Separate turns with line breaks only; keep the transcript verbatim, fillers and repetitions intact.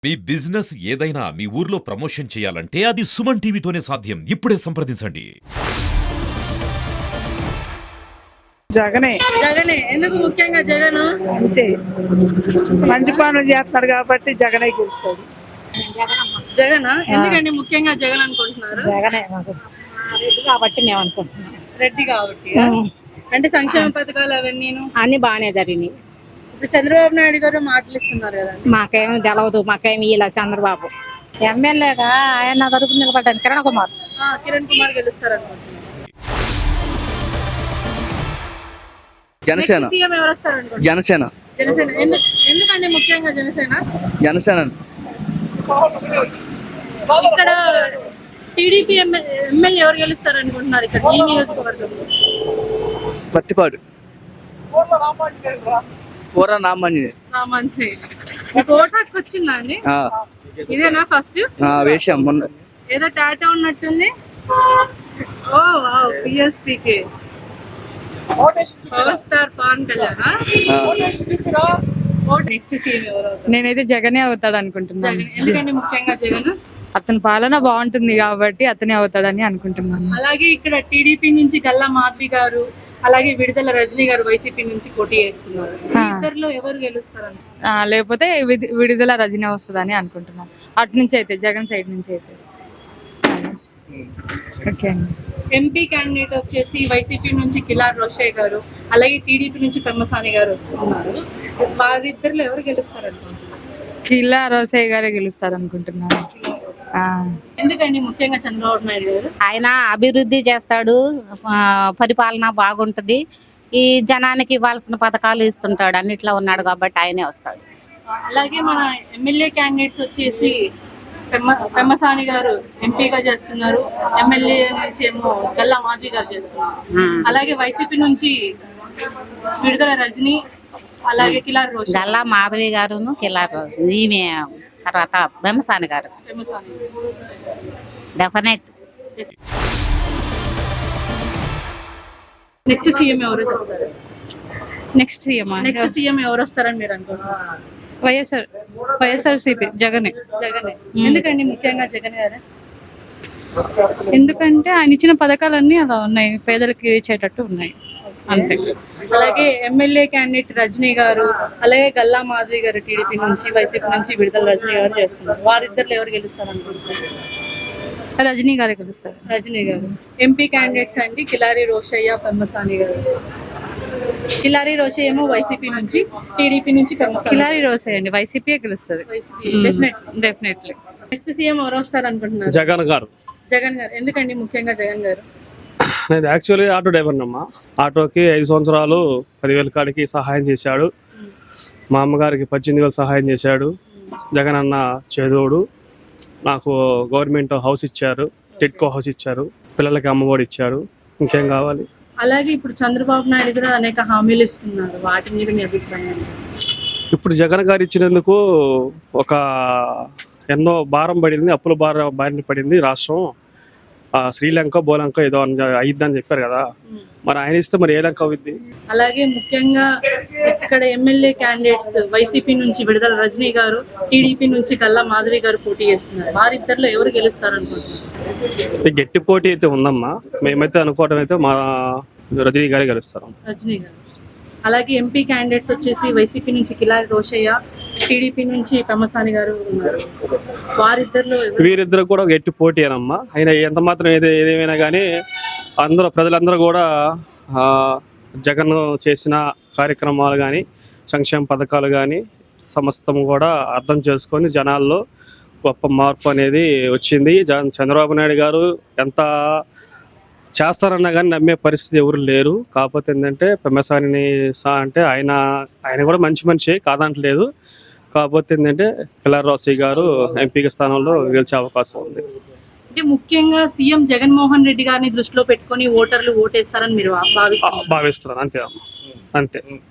మీ business ఏదైనా మీ ఊర్లో promotion చేయాలంటే అది సుమన్ టీవీతోనే సాధ్యం. ఇప్పుడే సంప్రదించండి.
జగనే
జగనే ఎందుకు ముఖ్యంగా జగన్
అంతే మంచి పనులు చేస్తాడు కాబట్టి జగనే గెలుస్తాడు.
జగనా ఎందుకండి ముఖ్యంగా జగన్ అనుకుంటున్నారు?
జగనే మాకు రెడ్డి కాబట్టి మేము అనుకుంటున్నాం.
రెడ్డి కాబట్టి అంటే సంక్షేమ పథకాలు అవన్నీ
అన్ని బాగానే జరిగినాయి.
ఇప్పుడు చంద్రబాబు నాయుడు గారు మాటలు ఇస్తున్నారు కదా.
మాకేమీ తెలవదు, మాకేమి ఇలా చంద్రబాబు ఎమ్మెల్యేగా ఆయన తరపు నిలబడ్డాను కిరణ్ కుమార్.
ఆ, కిరణ్ కుమార్ గెలుస్తారు అనుకుంటున్నారు.
జనసేన
సీఎం ఎవరు వస్తారు అనుకుంటున్నారు?
జనసేన
జనసేన ఎందుకు ఎందుకండి ముఖ్యంగా జనసేన?
జనసేన
ఇక్కడ టీడీపీ ఎమ్మెల్యే ఎవరు గెలుస్తారు అనుకుంటున్నారు ఇక్కడ ఈ నియోజకవర్గంలో?
పత్తిపాడు పూర నామాంజనేయ
మంచి మీకు ఓటు హక్కు వచ్చిందా అండి? ఇదేనా ఫస్ట్
వేసాం మొన్న.
ఏదో టాటా ఉన్నట్టుంది. ఓ వావ్, పిఎస్పీకి power star Pawan Kalyan. Next CM ఎవరు అవుతారు?
నేనైతే జగనే అవుతాడు అనుకుంటున్నాను.
జగన్ ఎందుకండి ముఖ్యంగా జగన్?
అతని పాలన బాగుంటుంది కాబట్టి అతనే అవుతాడని అనుకుంటున్నాను.
అలాగే ఇక్కడ టీడీపీ నుంచి గల్లా మాధవి గారు, అలాగే విడుదల రజనీ గారు వైసీపీ నుంచి పోటీ చేస్తున్నారు. ఇద్దరిలో ఎవరు గెలుస్తారని?
ఆ, లేకపోతే విడి- విడుదల రజనీ వస్తుందని అనుకుంటున్నాను. అటు నుంచి అయితే జగన్ సైడ్ నుంచి అయితే ఓకే అండి.
ఎంపీ క్యాండిడేట్ వచ్చేసి వైసీపీ నుంచి కిలార్ రోషయ్య గారు, అలాగే టీడీపీ నుంచి పెమ్మసాని గారు వస్తున్నారు. వారిద్దరిలో ఎవరు గెలుస్తారు అనుకుంటున్నారు?
కిల్లా రోసయ్య గారే గెలుస్తారు అనుకుంటున్నాను. ఆ,
ఎందుకండి ముఖ్యంగా చంద్రబాబు నాయుడు గారు?
ఆయన అభివృద్ధి చేస్తాడు, ఆ, పరిపాలన బాగుంటది, ఈ జనానికి ఇవ్వాల్సిన పథకాలు ఇస్తుంటాడు, అన్నిట్లో ఉన్నాడు కాబట్టి ఆయనే వస్తాడు.
అలాగే మన ఎమ్మెల్యే క్యాండిడేట్స్ వచ్చేసి పెమ్మ పెమ్మసాని గారు ఎంపీగా చేస్తున్నారు, ఎమ్మెల్యే నుంచి ఏమో గల్లా మాధవి గారు చేస్తున్నారు. అలాగే వైసీపీ నుంచి విడుదల రజనీ, అలాగే కిలార్ రోష్
గల్లా మాధవి గారును కిలార్ ఈమె తర్వాత బెమ్మసాని గారు
పెమ్మసాని.
డెఫినెట్.
నెక్స్ట్ సీఎం ఎవరు చెప్తారు?
నెక్స్ట్ సీఎం
నెక్స్ట్ సీఎం ఎవరు వస్తారని మీరు అనుకుంటున్నారు?
వైఎస్ఆర్ వైఎస్ఆర్సీపీ జగనే.
జగనే ఎందుకండి ముఖ్యంగా జగన్ గారు?
ఎందుకంటే ఆయన ఇచ్చిన పథకాలన్నీ అలా ఉన్నాయి, పేదలకి ఇచ్చేటట్టు ఉన్నాయి అంతే.
అలాగే ఎమ్మెల్యే క్యాండిడేట్ రజనీ గారు, అలాగే గల్లా మాధవి గారు టీడీపీ నుంచి, వైసీపీ నుంచి విడుదల రజనీ గారు చేస్తున్నారు. వారిద్దరు ఎవరు గెలుస్తారు అనుకుంటున్నారు?
రజనీ గారే గెలుస్తారు.
రజనీ గారు. ఎంపీ క్యాండిడేట్స్ అండి కిలారి రోషయ్య, పెమ్మసాని గారు. కిలారి రోషయ్య ఏమో వైసీపీ నుంచి, టీడీపీ నుంచి పెమ్మసాని.
కిలారి రోసయ్య అండి, వైసీపీ గెలుస్తుంది డెఫినెట్లీ.
నెక్స్ట్ సీఎం ఎవరు వస్తారు అనుకుంటున్నారు?
జగన్ గారు.
జగన్ గారు ఎందుకండి ముఖ్యంగా జగన్ గారు?
నేను యాక్చువల్లీ ఆటో డ్రైవర్ అమ్మా. ఆటోకి ఐదు సంవత్సరాలు పదివేల కాడికి సహాయం చేశాడు. మా అమ్మగారికి పద్దెనిమిది వేలు సహాయం చేశాడు. జగన్ అన్న చేదోడు. నాకు గవర్నమెంట్ హౌస్ ఇచ్చారు, టిట్కో హౌస్ ఇచ్చారు, పిల్లలకి అమ్మఒడి ఇచ్చారు. ఇంకేం కావాలి?
అలాగే ఇప్పుడు చంద్రబాబు నాయుడు కూడా అనేక హామీలు ఇస్తున్నారు, వాటి మీద మీ అభిప్రాయం?
ఇప్పుడు జగన్ గారు ఇచ్చినందుకు ఒక ఎన్నో భారం పడింది, అప్పుల భారం బారిన పడింది రాష్ట్రం. శ్రీలంక బోలంక ఏదో అయిద్దని చెప్పారు కదా, మరి ఆయన ఇస్తే మరి ఏ లంక అవుద్ది?
అలాగే ముఖ్యంగా ఇక్కడ ఎమ్మెల్యే క్యాండిడేట్స్ వైసీపీ నుంచి విడుదల రజనీ గారు, టీడీపీ నుంచి గల్లా మాధవి గారు పోటీ చేస్తున్నారు. వారిద్దరిలో ఎవరు గెలుస్తారు అనుకుంటున్నారు?
గట్టి పోటీ అయితే ఉందమ్మా. మేమైతే అనుకోవడం అయితే మా రజనీ గారే గెలుస్తారు.
రజనీ గారు. అలాగే ఎంపీ క్యాండిడేట్స్ వచ్చేసి వైసీపీ నుంచి కిలారి రోషయ్య, టీడీపీ నుంచి పెమ్మసాని గారు ఉన్నారు. వారిద్దరిలో
వీరిద్దరు కూడా గట్టి పోటీ అనమ్మా. అయినా ఎంత మాత్రం ఏది ఏదేమైనా కానీ అందరూ ప్రజలందరూ కూడా జగన్ చేసిన కార్యక్రమాలు కానీ, సంక్షేమ పథకాలు కానీ సమస్తం కూడా అర్థం చేసుకొని జనాల్లో గొప్ప మార్పు అనేది వచ్చింది. జగన్ చంద్రబాబు నాయుడు గారు ఎంత చేస్తారన్నా కానీ నమ్మే పరిస్థితి ఎవరు లేరు. కాకపోతే ఏంటంటే పెమ్మసాని సా అంటే ఆయన ఆయన కూడా మంచి మనిషి కాదంటలేదు. కాకపోతే ఏంటంటే కిలార్ రోసయ్య గారు ఎంపీ స్థానంలో గెలిచే అవకాశం ఉంది.
అంటే ముఖ్యంగా సీఎం జగన్మోహన్ రెడ్డి గారిని దృష్టిలో పెట్టుకొని ఓటర్లు ఓటేస్తారని మీరు భావిస్తున్నారు?
భావిస్తున్నాను అంతే అంతే.